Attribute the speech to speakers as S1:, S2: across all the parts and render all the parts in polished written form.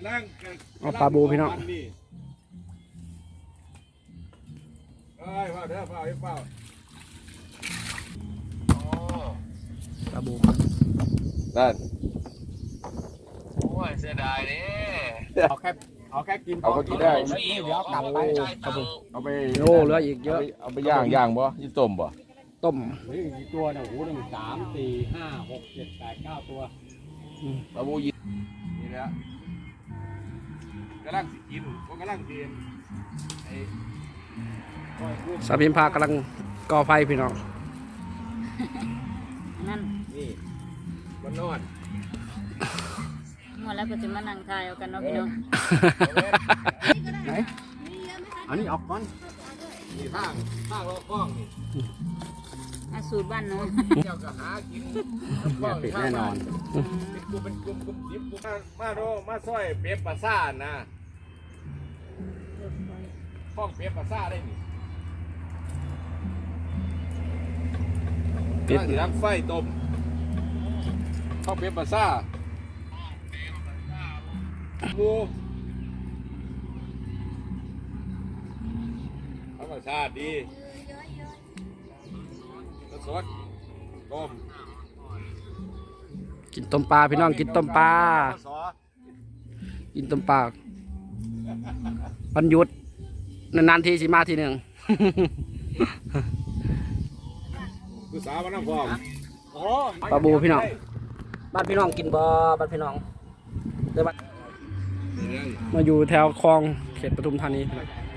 S1: เอาปลาบูพี่น้องปลาบู
S2: นั่น
S3: โอ้ยเสียดายเนี่ย
S2: เอาแค่กินเอาก็กินได้
S3: เดี๋ยวกลับไป
S2: เอาไป
S1: โอ้เหลืออีกเยอะ
S2: เอาไปย่างบ่ยี่ต้มบ่
S1: ต้ม
S4: กี่ตัวเนี่ยโอ้โห1 3 4 5 6 7 8 9 ตัว
S2: ปลาบูยี่นี่แหละกำลังกินก็กำลังกิน
S1: สาพิมพากำลังก่อไฟพี่น้อง
S5: นั่น
S2: นี่มันนอน
S5: หมดแล้วก็จะมานั่งทายเอากันเนาะพี่น้อง
S1: ไหนอันนี้ออกก่อน
S2: นี่ข้างรอข้องนี่
S5: อาสูตรบ้านเนาะ
S2: เจ้าก็หากิน
S1: ปิดแน่นอน
S2: เป็นกลุ่มดิบมาซอยเปี๊ยบปลาซ่านะข้องเปี๊ยบปลาซ่าได้นี่ปิดน้ำไฟต้มข้องเปี๊ยบปลาซ่าบูธรรมชาติดีสดต้ม
S1: กินต้มปลาพี่น้องกินต้มปลากินต้มปลาวันหยุดนานๆทีสิมาทีหนึ่ง
S2: คือสาวมันน้ำฟอง
S1: ปลาบูพี่น้องบ้านพี่น้องกินบ่บ้านพี่น้องเดี๋ยวมาอยู่แถวคลองเขตปทุมธานี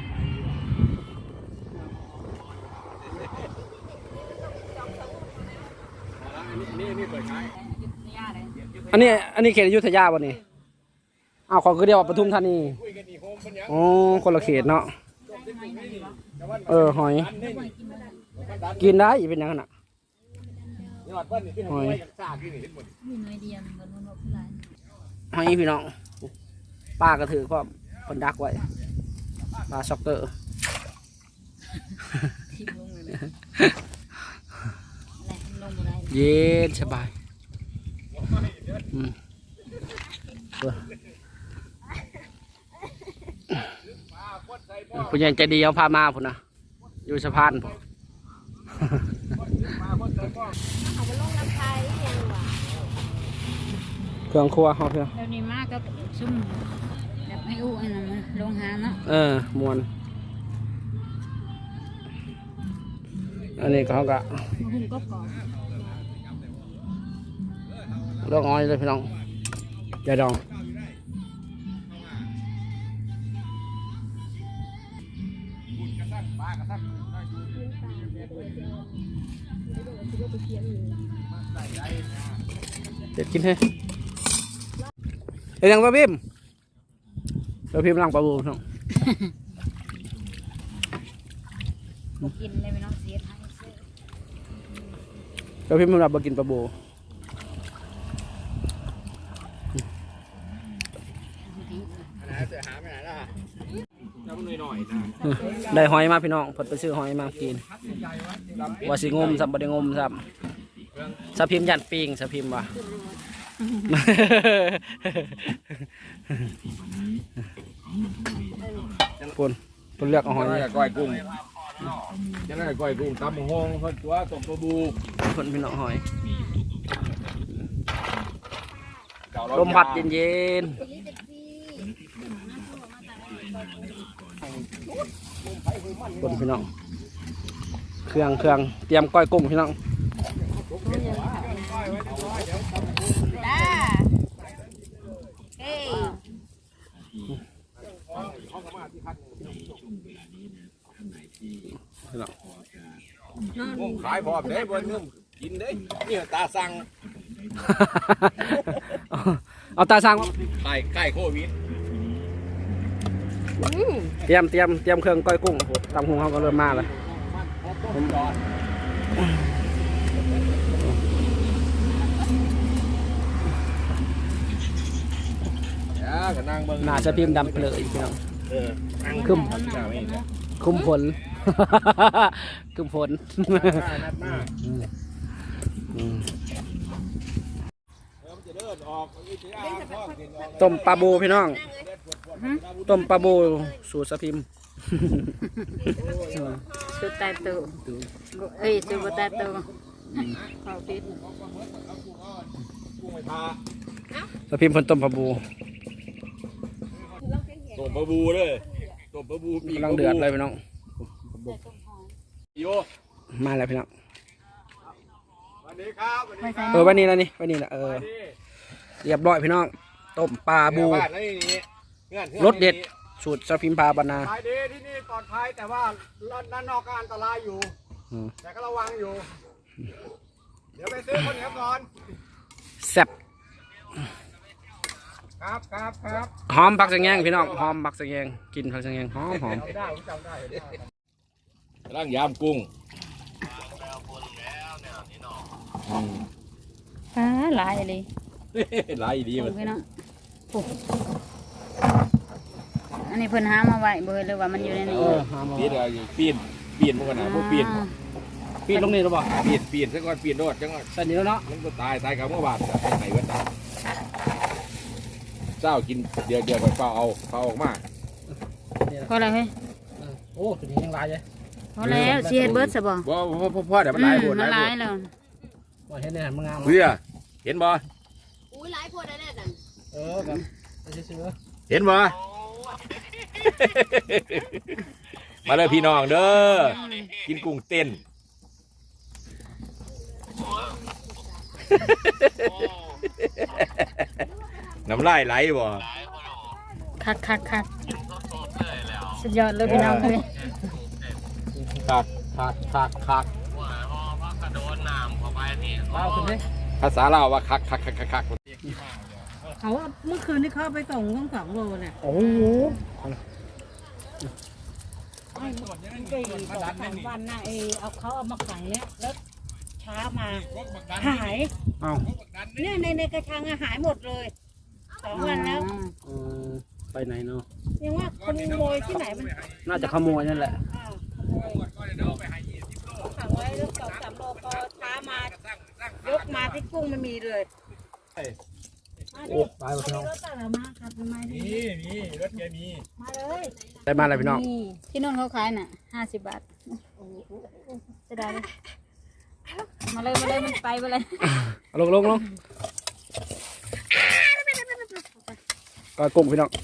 S2: นี่เปิดขาย
S1: อันนี้เขตอยุธยาบ่นี่อ้าวเขาคือเดียวว่าปทุมธานีอ๋อคนละเขตเนาะหอยกินได้เป็นยังไงน่ะหอยหอยพี่น้องป้ากระถือก็คนดักไว้ปลาช็อกเกอร์เย็นสบายผู้ใหญ่ใจดีเอาพามาพุ่นนะอยู่สะพานเครื่องครัวเขาเพื่อ
S5: เดี๋ยวนี้มากก็ซุ่มแบบให้อู้อันนั้นลงหาเนาะ
S1: มวนอันนี้เขาก็
S5: หุ่นก็ก่อน
S1: ลองอ้อยเลยพี่น้องอย่าดองเด็ดกินให้ยังปลาบิมเราพิมพ์ลังปลาบูน้อง
S5: กินเลยไม่น้องเสียทั้งเสื้อ
S1: เราพิมพ์มันรับมากินปลาบูได้หอยมาพี่น้องผดไปซื้อหอยมากินว่าสิงมสับบ่ได้งมสับสะพิมยันปิงสะพิมว่ะคนเลือกเอาหอย
S2: ก้อยกุ้งจะได้ก้อยกุ้งตำห้องเขาตัวต้มปลาบู
S1: คนพี่น้องหอยลมพัดเย็นคนพี่น้องเครื่องเตรียมก้อยกุ้งพี่น้อง
S2: ขายพร้อมได้บนนุ่มกินได้นี่ตาสั่ง
S1: เอาตาสั่ง
S2: ใกล้โควิด
S1: เตรียมเครื่องก้อยกุ้งตำหุงเขาก็เริ่มมาเลยน่าจะพิมพ์ดำเปลือยพี่น้องคุ้มผลต้มปลาบูพี่น้องต้มปลาบูสูตรสะพิม
S5: สุดตายตัวเอ้ยสุดบ่ตายตัวเอาปิด
S1: สะพิมเพิ่นต้มปลาบู
S2: ต้มปลาบูเลยต้มปลาบูปี
S1: กำลังเดือดเลยพี่น้อง
S2: โย
S1: มาแล้วพี่น้อง
S2: สวัสดีครับสวัสดีครับ
S1: วันนี้นะนี่วันนี้นะเรียบร้อยพี่น้องต้มปลาบู
S2: บ้านนี่เงื่อน
S1: รสเด็ดสูตรสะพิมพาบรรณา
S4: ขายดีที่นี่ปลอดภัยแต่ว่าด้านนอกก็อันตรายอยู่
S1: อืม
S4: แต่ก็ระวังอยู่ เดี๋ยวไปซื้อข้าวเหนียวก่อน
S1: แซ่บ
S4: ครับครับครับ
S1: หอมผักสะแงงพี่น้องหอมผักสะแงงกินผักสะแงงหอมหอม
S4: ได้ผมจำได้
S2: ร่างยามกุ้ง
S5: หลายเลย
S2: หลายดีมัน
S5: พี่น้องอันนี้เพิ่นหามาไว้บ่เลยว่ามันอยู่ในนี้
S1: หอม
S2: ปีนอะไรปีนมันกันนะพวกปีน
S1: ปีนลงนี่หรือเปล่า
S2: ปีนซะก่อนปีนโดดจังก่อน
S1: ใส่นี่แล้วเนาะ
S2: มันก็ตายกับเมื่อวานไหนก็ตายเจ้ากินเดียวไปเปล่าเอาออกมา
S5: พอแล้วเฮ้ย
S1: โอ้ตัวนี้ยังลายเลย
S5: พอแล้วสิเฮ็ดเบิดซะบ่
S2: พ่อเดี๋ยวมันหลายปวด
S5: มันหลายแล้ว
S1: ว่าเห็นในหันมางาม
S2: เพื่อเห็นบ่
S5: อุ้ยหลายคนได้นั่น
S1: ครับซื้อ
S2: เห็นบ่ มาเลยพี่น้องเด้อกินกุ้งเต้นน้ำลายไหลบ่
S5: คักสุดยอดเลยพี่น้องเลย
S2: คัก
S1: เอาขึ้นดิ
S2: ภาษาลาวว่าคัก
S6: เขาเมื่อคืนที่เขาไปส่งต้อง2 โลเนี่ย
S1: โอ้โห
S6: 4 2-3 วันนะเอาเขาเอามาขังเนี่ยแล้วเช้ามาหาย
S1: เอา
S6: เนี่ยในกระชังอะหายหมดเลย2 วันแล้ว
S1: ไปไหนเนาะ
S6: ยังว่าคนขโมยที่ไหนมัน
S1: น่าจะขโมยนั่นแหละ
S6: ขโมยขังไว้แล้ว2-3 โลพอเช้ามายกมาที่กุ้งมันมีเลย
S1: โอ้ตายหมดพี่น้อง
S6: รถอะไรมาครับทำไมดี
S4: มีรถแกมี
S6: มาเลย
S1: ได้มาแล้วพี่น้อง
S5: นี่ที่นู่นเขาขายน่ะ50 บาทจะได้เลยมาเลยมันไปเลย
S1: ลงก็กุ้งพี่น้อง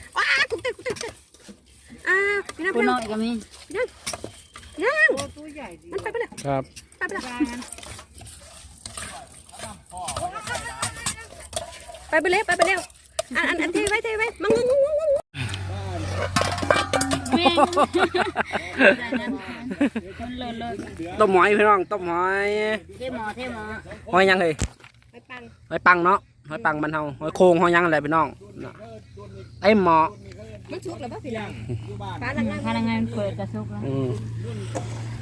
S5: ผู้น้อยก็มี
S6: ตัวใหญ่ดี
S1: ครับ
S7: ไปเร็วอันเทไว้มังง
S5: แม่คนเลิศ
S1: ต้มหอยพี่น้องต้มหอย
S5: เทหมอ
S1: หอยยังเลย
S7: ไปปัง
S1: หอยปังเนาะหอยปังบ้านเฮาหอยโคงหอยยังอะไรพี่น้องน่ะไอ้หมอ
S7: มันชุกหรือเปล่าพี่น้อง
S5: พนักงานเปิดกระซุกแล้ว
S1: อืม